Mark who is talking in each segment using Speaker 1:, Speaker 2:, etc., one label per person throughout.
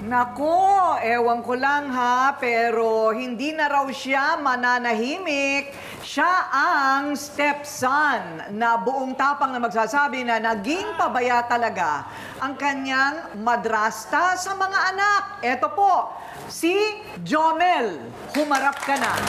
Speaker 1: Nako, ewan ko lang ha, pero hindi na raw siya mananahimik. Siya ang stepson na buong tapang na magsasabi na naging pabaya talaga ang kanyang madrasta sa mga anak. Eto po, si Jomel. Humarap ka na.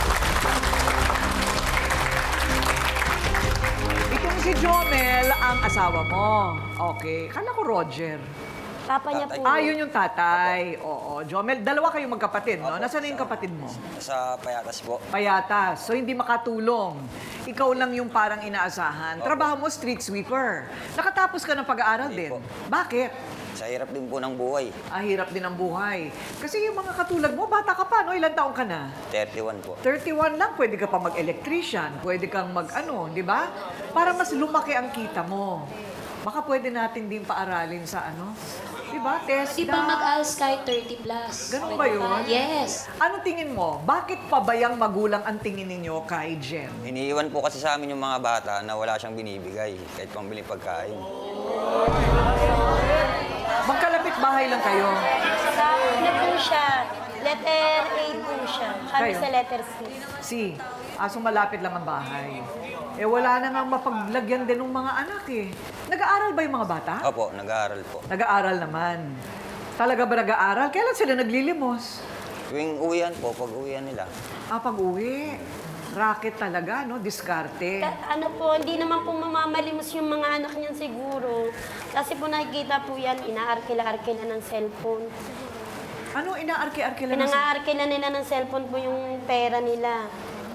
Speaker 1: Itong si Jomel ang asawa mo. Okay. Kala ko Roger.
Speaker 2: Papa niya po.
Speaker 1: Ah, yun yung tatay. Oo. Jomel, dalawa kayong magkapatid, no? Nasaan na yung kapatid mo?
Speaker 3: Sa Payatas po.
Speaker 1: Payatas. So, hindi makatulong. Ikaw lang yung parang inaasahan. Trabaho mo, street sweeper. Nakatapos ka ng pag-aaral
Speaker 3: Hindi
Speaker 1: din.
Speaker 3: po.
Speaker 1: Bakit?
Speaker 3: Sa hirap din po ng buhay.
Speaker 1: Ah, hirap din ang buhay. Kasi yung mga katulad mo, bata ka pa, no? Ilan taong ka na?
Speaker 3: 31 po.
Speaker 1: 31 lang, pwede ka pa mag-electrician. Pwede kang mag-ano, di ba? Para mas lumaki ang kita mo. Baka pwede natin din paaralin sa ano? Di ba? TESDA.
Speaker 2: Di ba mag-ALS kahit 30 plus?
Speaker 1: Ganun
Speaker 2: Pwede
Speaker 1: ba yun?
Speaker 2: Yes.
Speaker 1: Ano tingin mo? Bakit pabayang magulang ang tingin ninyo kay Jen?
Speaker 3: Iniiwan po kasi sa amin yung mga bata na wala siyang binibigay kahit pambili pagkain.
Speaker 1: Magkalapit bahay lang kayo.
Speaker 2: Ano po siya? Letter A po siya. Kami
Speaker 1: Kayo?
Speaker 2: sa letter C.
Speaker 1: Si, aso malapit lang ang bahay. Eh wala na nga mapaglagyan din ng mga anak eh. Nag-aaral ba yung mga bata?
Speaker 3: Opo, nag-aaral po.
Speaker 1: Nag-aaral naman. Talaga ba nag-aaral? Kailan sila naglilimos?
Speaker 3: Tuwing uwian po, pag uwian nila.
Speaker 1: Ah, pag-uwi. Racket talaga, no? Diskarte.
Speaker 2: Ano po, hindi naman po mamamalimos yung mga anak niyan siguro. Kasi po nakikita po yan, inaarkila-arkila ng cellphone.
Speaker 1: Ano inaarki-arkila na sa...
Speaker 2: Pinangaarkila nila ng cellphone po yung pera nila.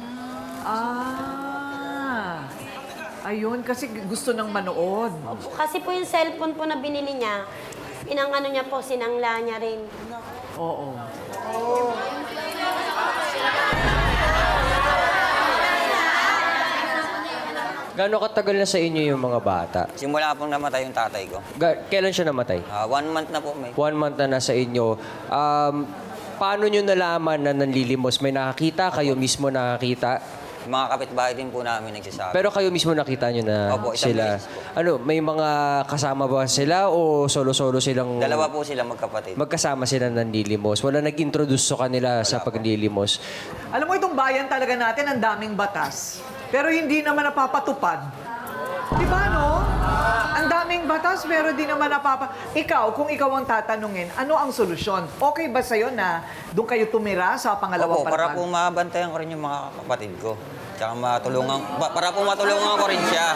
Speaker 1: Ah. Ayun, kasi gusto ng manood.
Speaker 2: Kasi po yung cellphone po na binili niya, pinangano niya po, sinangla niya rin.
Speaker 1: Oo.
Speaker 4: Gaano katagal na sa inyo yung mga bata?
Speaker 3: Simula pong namatay yung tatay ko.
Speaker 4: Kailan siya namatay?
Speaker 3: 1 month na po may.
Speaker 4: 1 month na nasa inyo. Paano nyo nalaman na nanlilimos? May nakakita? Kayo mismo nakakita?
Speaker 3: Yung mga kapitbahay din po namin nagsasabi.
Speaker 4: Pero kayo mismo nakita nyo na
Speaker 3: Opo, isang
Speaker 4: sila?
Speaker 3: beses po.
Speaker 4: Ano, may mga kasama ba sila o solo-solo silang...
Speaker 3: Dalawa po sila magkapatid.
Speaker 4: Magkasama sila nanlilimos? Wala nag-introduce sa kanila sa paglilimos?
Speaker 1: Alam mo, itong bayan talaga natin, ang daming batas. Pero hindi naman napapatupad. Di ba, no? Ang daming batas, pero di naman Ikaw, kung ikaw ang tatanungin, ano ang solusyon? Okay ba sa'yo na doon kayo tumira sa pangalawang
Speaker 3: Opo, para
Speaker 1: palapag?
Speaker 3: po mabantayan ko rin yung mga kapatid ko. Tsaka matulungan, para po matulungan ko rin siya.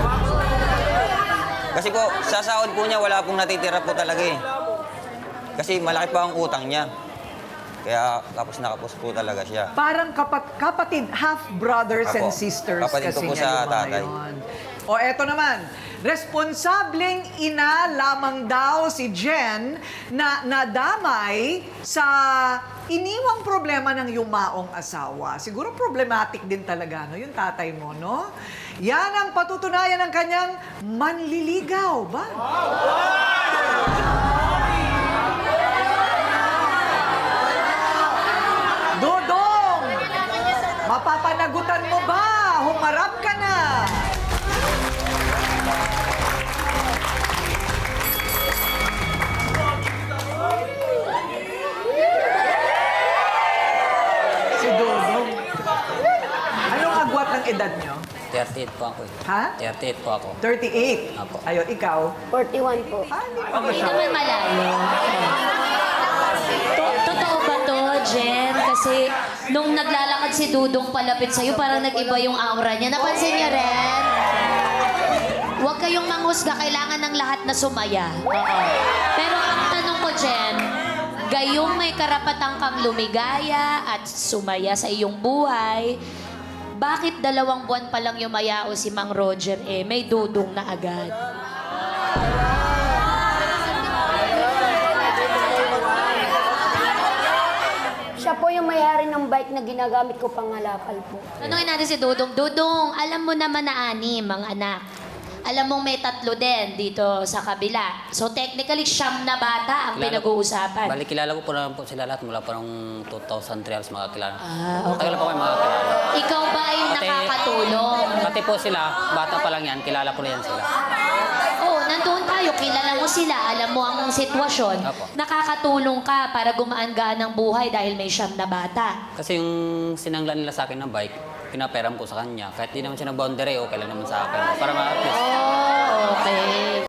Speaker 3: Kasi po, sa sahod po niya, wala pong natitira po talaga eh. Kasi malaki pa ang utang niya. Kaya kapos na kapos po talaga siya.
Speaker 1: Parang kapatid, half brothers and
Speaker 3: Apo,
Speaker 1: sisters
Speaker 3: kapatid ko
Speaker 1: kasi
Speaker 3: po
Speaker 1: niya
Speaker 3: sa
Speaker 1: yung mga
Speaker 3: tatay.
Speaker 1: yun. O eto naman, responsableng ina lamang daw si Jen na nadamay sa iniwang problema ng yumaong asawa. Siguro problematic din talaga, no? Yung tatay mo, no? Yan ang patutunayan ng kanyang manliligaw, ba? Dodong! Mapapanagutan mo ba? Humarap ka na! Si Dodong. Anong agwat ng edad nyo?
Speaker 5: 38 po ako eh.
Speaker 1: Ha?
Speaker 5: 38 po ako.
Speaker 1: 38.
Speaker 5: Apo.
Speaker 1: Ayun, ikaw?
Speaker 2: 41 po.
Speaker 1: Ah, hindi pa
Speaker 6: Hindi
Speaker 1: masyado.
Speaker 6: naman malayo. Totoo ba to, Jen? Kasi nung naglalakad si Dudong palapit sa'yo, parang nag-iba yung aura niya. Napansin niyo rin? Huwag kayong manghusga. Kailangan ng lahat na sumaya. Oo. Pero ang tanong ko, Jen, gayong may karapatang kang lumigaya at sumaya sa iyong buhay, bakit 2 buwan pa lang yumayao si Mang Roger may dudong na agad?
Speaker 2: Siya po yung may-ari ng bike na ginagamit ko pangalakal po.
Speaker 6: Tanungin natin si Dudong. Dudong, alam mo naman na 6 ang anak. Alam mong may 3 din dito sa kabila. So technically, 9 na bata ang pinag-uusapan.
Speaker 5: Bali, kilala ko po naman po sila lahat mula pa noong 2003 halos makakilala.
Speaker 6: Ah, okay.
Speaker 5: Tagal na po kayo makakilala.
Speaker 6: Ikaw ba ay
Speaker 5: Pati-
Speaker 6: nakakatulong?
Speaker 5: Pati po sila, bata pa lang yan, kilala ko na yan sila.
Speaker 6: Oo, nandun tayo, kilala mo sila, alam mo ang sitwasyon,
Speaker 5: Apo.
Speaker 6: nakakatulong ka para gumaan-gaan ang buhay dahil may siyam na bata.
Speaker 5: Kasi yung sinanglan nila sa akin ng bike, pinaperam ko sa kanya. Kahit di naman siya na boundary, okay lang naman sa akin. Para ma-at least.
Speaker 6: Oh, okay.